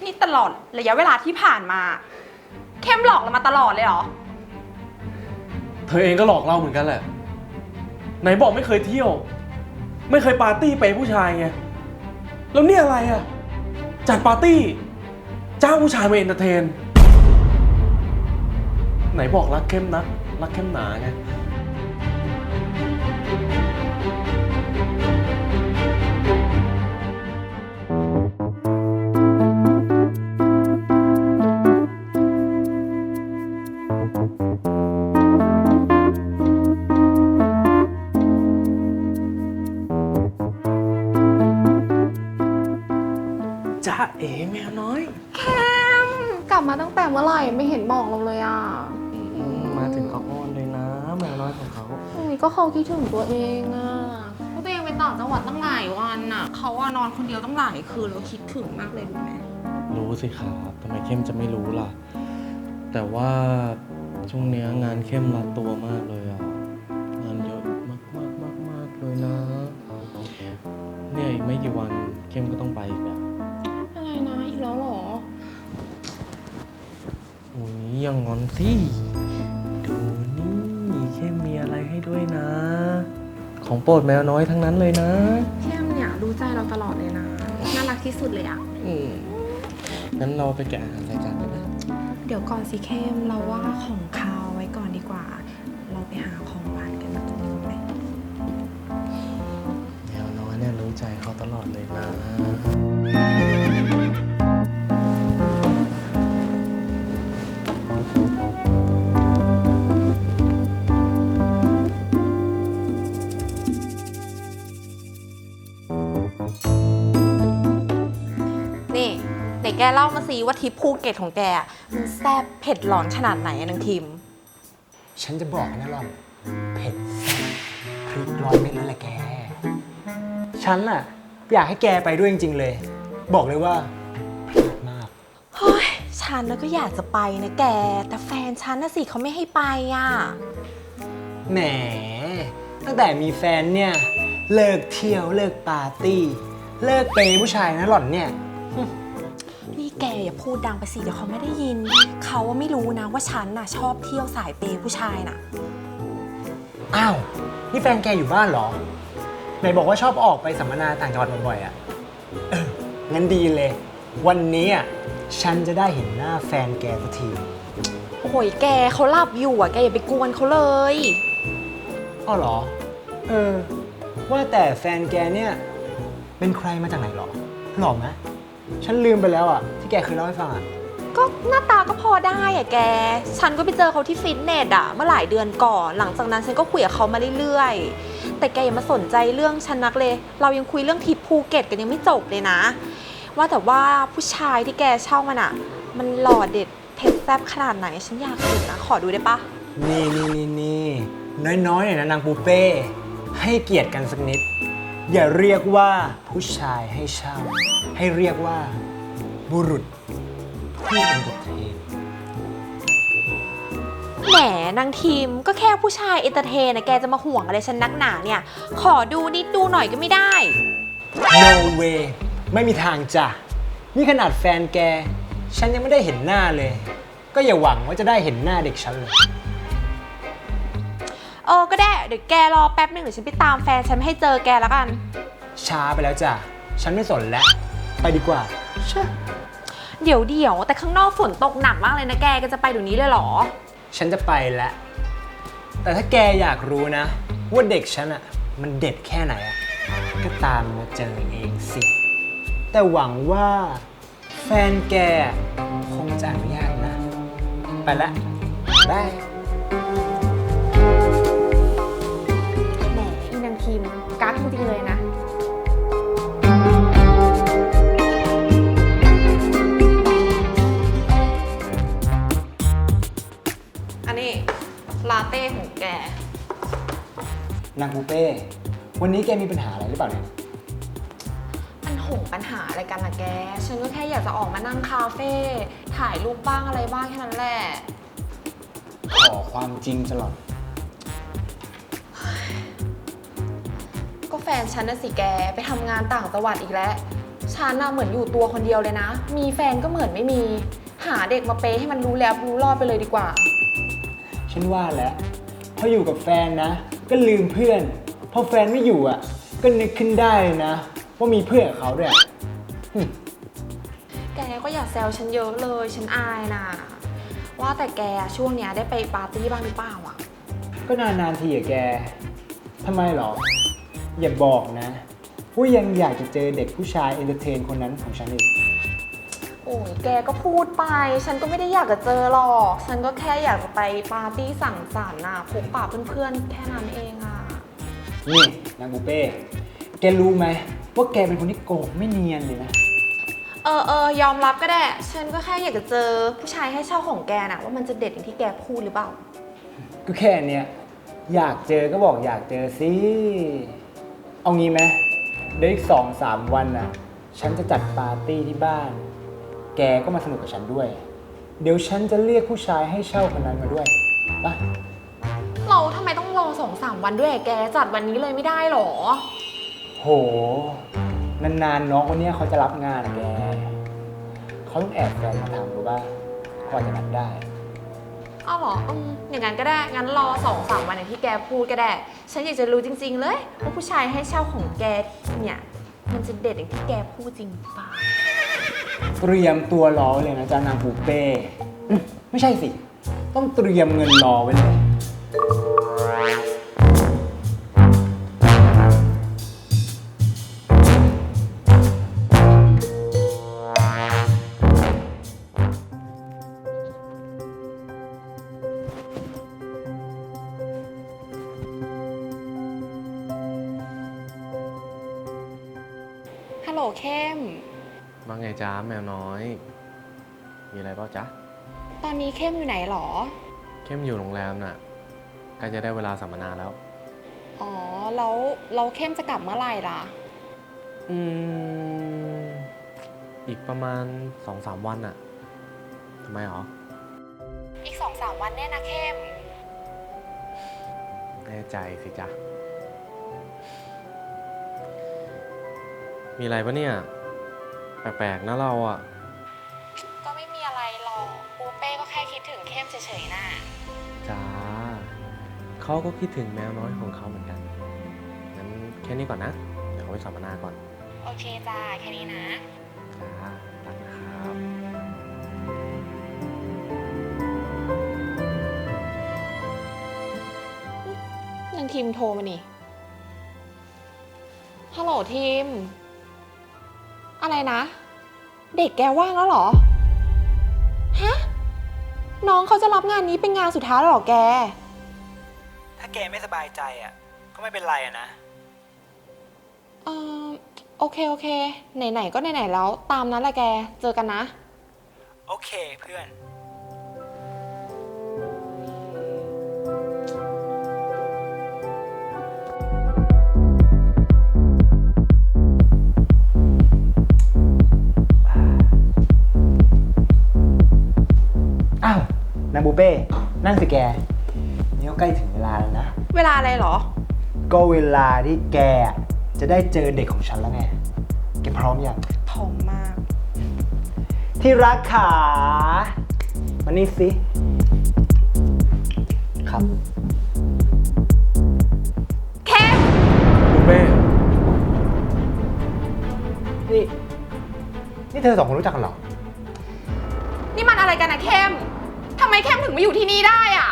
นี่ตลอดระยะเวลาที่ผ่านมาเข้มหลอกเรามาตลอดเลยเหรอเธอเองก็หลอกเราเหมือนกันแหละไหนบอกไม่เคยเที่ยวไม่เคยปาร์ตี้ไปผู้ชายไงแล้วนี่อะไรอ่ะจัดปาร์ตี้จ้างผู้ชายมาเอนเตอร์เทนไหนบอกรักเข้มนะรักเข้มหนาไงจ้าเอ๋แมวน้อยเข้มกลับมาตั้งแต่เมื่อไหร่ไม่เห็นบอกเราเลยอ่ะมาถึงเขาอ้อนเลยนะแมวน้อยของเขาก็เขาคิดถึงตัวเองอ่ะตัวเองไปต่างจังหวัดตั้งหลายวันอ่ะเขาว่านอนคนเดียวตั้งหลายคืนแล้วคิดถึงมากเลยรู้ไหมรู้สิครับทำไมเข้มจะไม่รู้ล่ะแต่ว่าช่วงนี้งานเข้มรัดตัวมากเลยอ่ะงานเยอะมากเลยนะเนี่ยอีกไม่กี่วันเข้มก็ต้องไปอีกแล้วอะไรนะอีกแล้วหรอโอ้ยยังงอนสิดูนี่เข้มมีอะไรให้ด้วยนะของโปรดแมวน้อยทั้งนั้นเลยนะเข้มเนี่ยรู้ใจเราตลอดเลยนะน่ารักที่สุดเลยอ่ะงั้นเราไปแกะอาหารใส่จานกันนะเดี๋ยวก่อนสิเข้มเราว่าของคาวไว้ก่อนดีกว่าเราไปหาของหวานกันมาตรงนี้ไหมแมวน้อยเนี่ยรู้ใจเขาตลอดเลยนะนี่ไหนแกเล่ามาสิว่าทริปภูเก็ตของแกมันแซ่บเผ็ดร้อนขนาดไหนอะนางทิมฉันจะบอกนะหล่อนเผ็ดแซ่บพริกร้อยเม็ดนั่นแหละแกฉันน่ะอยากให้แกไปด้วยจริงๆเลยบอกเลยว่าเผ็ดมากเฮ้ยฉันก็อยากจะไปนะแกแต่แฟนฉันน่ะสิเขาไม่ให้ไปอ่ะแหมตั้งแต่มีแฟนเนี่ยเลิกเที่ยวเลิกปาร์ตี้เลิกเปย์ผู้ชายนะหล่อนเนี่ยนี่แกอย่าพูดดังไปสิเดี๋ยวเขาไม่ได้ยินเขาว่าไม่รู้นะว่าฉันน่ะชอบเที่ยวสายเปย์ผู้ชายน่ะอ้าวนี่แฟนแกอยู่บ้านเหรอไหนบอกว่าชอบออกไปสัมมนาต่างจังหวัดบ่อยๆอ่ะงั้นดีเลยวันนี้อ่ะฉันจะได้เห็นหน้าแฟนแกสักทีโอ้ยแกเขาหลับอยู่อ่ะแกอย่าไปกวนเขาเลยอ้าวเหรอว่าแต่แฟนแกเนี่ยเป็นใครมาจากไหนหรอหล่อไหมฉันลืมไปแล้วอ่ะที่แกเคยเล่าให้ฟังอ่ะก็หน้าตาก็พอได้อ่ะแกฉันก็ไปเจอเขาที่ฟิตเนสอ่ะเมื่อหลายเดือนก่อนหลังจากนั้นฉันก็คุยกับเขามาเรื่อยๆแต่แกอย่ามาสนใจเรื่องฉันนักเลยเรายังคุยเรื่องทริปภูเก็ตกันยังไม่จบเลยนะว่าแต่ว่าผู้ชายที่แกเช่ามันอ่ะมันหล่อเด็ดเผ็ดแซ่บขนาดไหนฉันอยากเห็นนะขอดูได้ปะนี่น้อยๆหน่อยนะนางปูเป้ให้เกียรติกันสักนิดอย่าเรียกว่าผู้ชายให้เช่าให้เรียกว่าบุรุษผู้เอนเตอร์เทนแหมนางทีมก็แค่ผู้ชายเอนเตอร์เทนนะแกจะมาห่วงอะไรฉันนักหนาเนี่ยขอดูนิดดูหน่อยก็ไม่ได้ No way ไม่มีทางจ้ะนี่ขนาดแฟนแกฉันยังไม่ได้เห็นหน้าเลยก็อย่าหวังว่าจะได้เห็นหน้าเด็กฉันเลยก็ได้เดี๋ยวแกรอแป๊บนึงเดี๋ยวฉันไปตามแฟนฉันให้เจอแกแล้วกันช้าไปแล้วจ้ะฉันไม่สนแล้วไปดีกว่าเดี๋ยวแต่ข้างนอกฝนตกหนักมากเลยนะแกจะไปเดี๋ยวนี้เลยเหรอฉันจะไปแล้วแต่ถ้าแกอยากรู้นะว่าเด็กฉันอะมันเด็ดแค่ไหนอะก็ตามมาเจอเองสิแต่หวังว่าแฟนแกคงจะอนุญาตนะไปละบายแหมอีนางทีมกั๊กจริงๆเลยนะอันนี้ลาเต้ของแกนางปูเป้วันนี้แกมีปัญหาอะไรหรือเปล่าเนี่ยปัญหาอะไรกันล่ะแกฉันก็แค่อยากจะออกมานั่งคาเฟ่ถ่ายรูปบ้างอะไรบ้างแค่นั้นแหละขอความจริงตลอดก็แฟนฉันน่ะสิแกไปทำงานต่างจังหวัดอีกแล้วฉันน่ะเหมือนอยู่ตัวคนเดียวเลยนะ มีแฟนก็เหมือนไม่มี หาเด็กมาเปย์ให้มันรู้แล้วรู้รอดไปเลยดีกว่าฉันว่าแล้วพออยู่กับแฟนนะ ก็ลืมเพื่อน พอแฟนไม่อยู่อ่ะ ก็นึกขึ้นได้นะ ว่ามีเพื่อนกับเขาด้วยแกก็อย่าแซวฉันเยอะเลย ฉันอายนะว่าแต่แกช่วงเนี้ยได้ไปปาร์ตี้บ้างหรือเปล่าอ่ะก็นานๆทีอะแกทำไมหรอ อย่าบอกนะว่ายังอยากจะเจอเด็กผู้ชายเอนเตอร์เทนคนนั้นของฉันอีกโอ้ยแกก็พูดไป ฉันก็ไม่ได้อยากจะเจอหรอก ฉันก็แค่อยากจะไปปาร์ตี้สังสรรค์น่ะพบปะเพื่อนๆ แค่นั้นเองอ่ะนี่นางบุเป้แกรู้ไหมว่าแกเป็นคนที่โกหกไม่เนียนเลยนะยอมรับก็ได้ ฉันก็แค่อยากจะเจอผู้ชายให้เช่าของแกน่ะว่ามันจะเด็ดอย่างที่แกพูดหรือเปล่าก็แค่เนี้ยอยากเจอก็บอกอยากเจอสิ เอางี้ไหมเดี๋ยวอีก2-3 วันน่ะ ฉันจะจัดปาร์ตี้ที่บ้าน แกก็มาสนุกกับฉันด้วย เดี๋ยวฉันจะเรียกผู้ชายให้เช่าคนนั้นมาด้วยไปเราทำไมต้องรอ2-3 วันด้วยแกจัดวันนี้เลยไม่ได้หรอโห นานๆน้องคนเนี้ยเขาจะรับงานอะแก เขาต้องแอบแฟนมาทำรู้ป่ะกว่าจะนัดได้อ้าวเหรออย่างนั้นก็ได้ งั้นรอ2-3 วันอย่างที่แกพูดก็ได้ ฉันอยากจะรู้จริง ๆ เลยว่าผู้ชายให้เช่าของแกเนี่ย มันจะเด็ดอย่างที่แกพูดจริงหรือเปล่าเตรียมตัวรอไว้เลยนะจ๊ะนางปูเป้ไม่ใช่สิ ต้องเตรียมเงินรอไว้เลยฮัลโหลเข้มว่าไงจ้าแมวน้อย มีอะไรเปล่าจ๊ะตอนนี้เข้มอยู่ไหนหรอเข้มอยู่โรงแรมน่ะใกล้จะได้เวลาสัมมนาแล้วอ๋อ แล้วเข้มจะกลับเมื่อไหร่ล่ะอืม อีกประมาณ 2-3 วันน่ะทำไมหรออีก2-3 วันแน่นะเข้มแน่ใจสิจ๊ะ มีอะไรปะเนี่ย แปลกๆนะเราอ่ะก็ไม่มีอะไรหรอกปูเป้ก็แค่คิดถึงเข้มเฉยๆน่ะจ้า เขาก็คิดถึงแมวน้อยของเขาเหมือนกัน งั้นแค่นี้ก่อนนะ เดี๋ยวเขาไปสัมมนาก่อนโอเคจ้า แค่นี้นะจ้ารักนะครับยังทีมโทรมานี่ ฮัลโหลทีม อะไรนะ เด็กแกว่างแล้วเหรอ ฮะ น้องเขาจะรับงานนี้เป็นงานสุดท้ายแล้วเหรอแกถ้าแกไม่สบายใจอ่ะ ก็ไม่เป็นไรอะนะเออโอเค ไหนๆก็ไหนๆแล้ว ตามนั้นแหละแก เจอกันนะโอเคเพื่อน อ้าว นางบูเป้ นั่งสิแก นี่ก็ใกล้ถึงเวลาแล้วนะเวลาอะไรเหรอก็เวลาที่แกจะได้เจอเด็กของฉันแล้วไง แกพร้อมยังทองมากที่รักขามานี่สิ ครับเข้มบุฟเป้นี่เธอสองคนรู้จักกันเหรอนี่มันอะไรกันนะเข้ม ทำไมเข้มถึงมาอยู่ที่นี่ได้อะ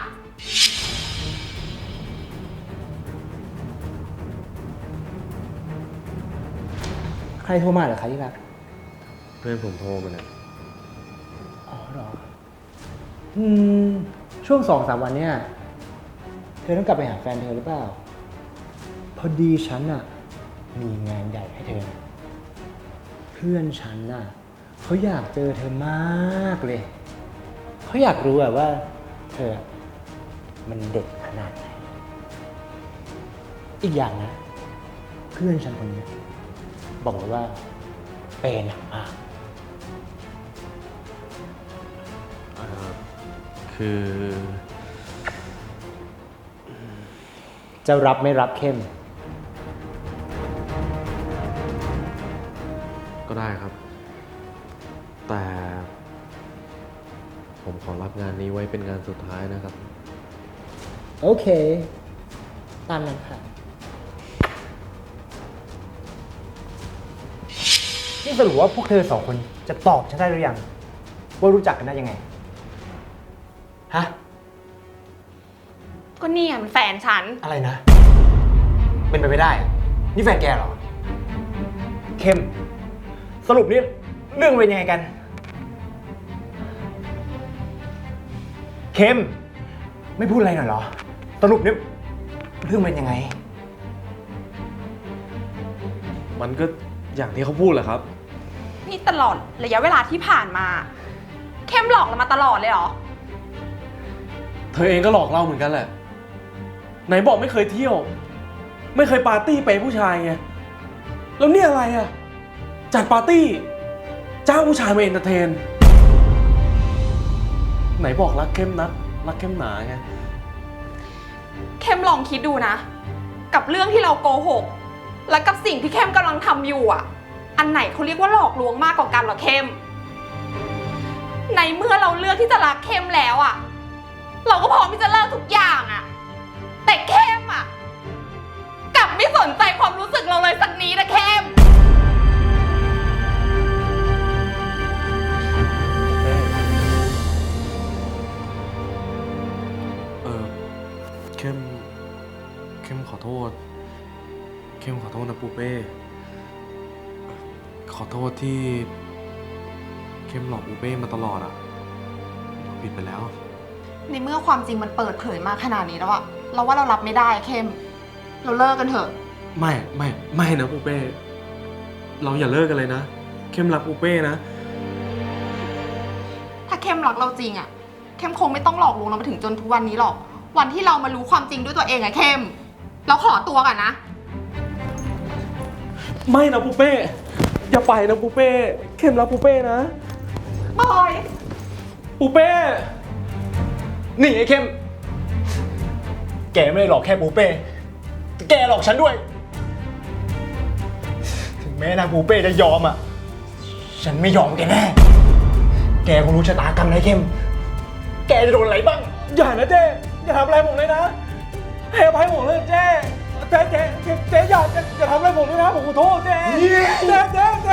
ใครโทรมาเหรอคะที่รักเพื่อนผมโทรมาเนี่ยอ๋อเหรอ ช่วง2-3 วันเนี่ยเธอต้องกลับไปหาแฟนเธอหรือเปล่า พอดีฉันน่ะ มีงานใหญ่ให้เธอ เพื่อนฉันน่ะเขาอยากเจอเธอมากเลย เขาอยากรู้ว่าเธอมันเด็ดขนาดไหน อีกอย่างนะ เพื่อนฉันคนนี้บอกเลยว่าเป็นหนักมากคือจะรับไม่รับเข้มก็ได้แต่ผมขอรับงานนี้ไว้เป็นงานสุดท้ายนะครับโอเค ตามนั้นค่ะนี่สรุปว่าพวกเธอสองคนจะตอบฉันได้หรือยัง ว่ารู้จักกันได้ยังไง ฮะก็เนี่ยมันแฟนฉันอะไรนะ เป็นไปไม่ได้อะนี่แฟนแกเหรอ เข้ม สรุปนี่เรื่องเป็นยังไงกัน เข้ม ไม่พูดอะไรหน่อยเหรอ สรุปนี่เรื่องเป็นยังไงมันก็อย่างที่เขาพูดแหละครับนี่ตลอดระยะเวลาที่ผ่านมา เข้มหลอกเรามาตลอดเลยเหรอเธอเองก็หลอกเราเหมือนกันแหละ ไหนบอกไม่เคยเที่ยว ไม่เคยปาร์ตี้ไปผู้ชายไง แล้วเนี่ยอะไรอ่ะ จัดปาร์ตี้ จ้างผู้ชายมาเอนเตอร์เทน ไหนบอกรักเข้มนักรักเข้มหนาไงเข้มลองคิดดูนะ กับเรื่องที่เราโกหก และกับสิ่งที่เข้มกำลังทำอยู่อ่ะ อันไหนเขาเรียกว่าหลอกลวงมากกว่ากันเหรอเข้ม ในเมื่อเราเลือกที่จะรักเข้มแล้วอ่ะ เราก็พร้อมที่จะเลิกทุกอย่างอ่ะ แต่เข้มอ่ะกลับไม่สนใจความรู้สึกเราเลยสักนิดนะเข้มเข้มขอโทษ เข้มขอโทษนะปูเป้ ขอโทษที่เข้มหลอกปูเป้มาตลอดอ่ะผิดไปแล้วในเมื่อความจริงมันเปิดเผยมาขนาดนี้แล้วอะเราว่าเรารับไม่ได้อะเข้ม เราเลิกกันเถอะไม่นะปูเป้ เราอย่าเลิกกันเลยนะ เข้มรักปูเป้นะถ้าเข้มรักเราจริงอะเข้มคงไม่ต้องหลอกลวงเรามาถึงจนทุกวันนี้หรอก วันที่เรามารู้ความจริงด้วยตัวเองอะเข้ม เราขอตัวก่อนนะไม่นะปูเป้ อย่าไปนะปูเป้ เข้มรักปูเป้นะบอยปูเป้นี่ไอ้เข้ม แกไม่ได้หลอกแค่ปูเป้แต่แกหลอกฉันด้วย ถึงแม้นางปูเป้จะยอมอ่ะ ฉันไม่ยอมแกแน่ แกคงรู้ชะตากรรมนะเข้ม แกจะโดนอะไรบ้างอย่านะเจ๊อย่าทำอะไรผมเลยนะให้อภัยผมเลยเจ๊อย่าทำอะไรผมเลยนะผมขอโทษเจ๊เจ๊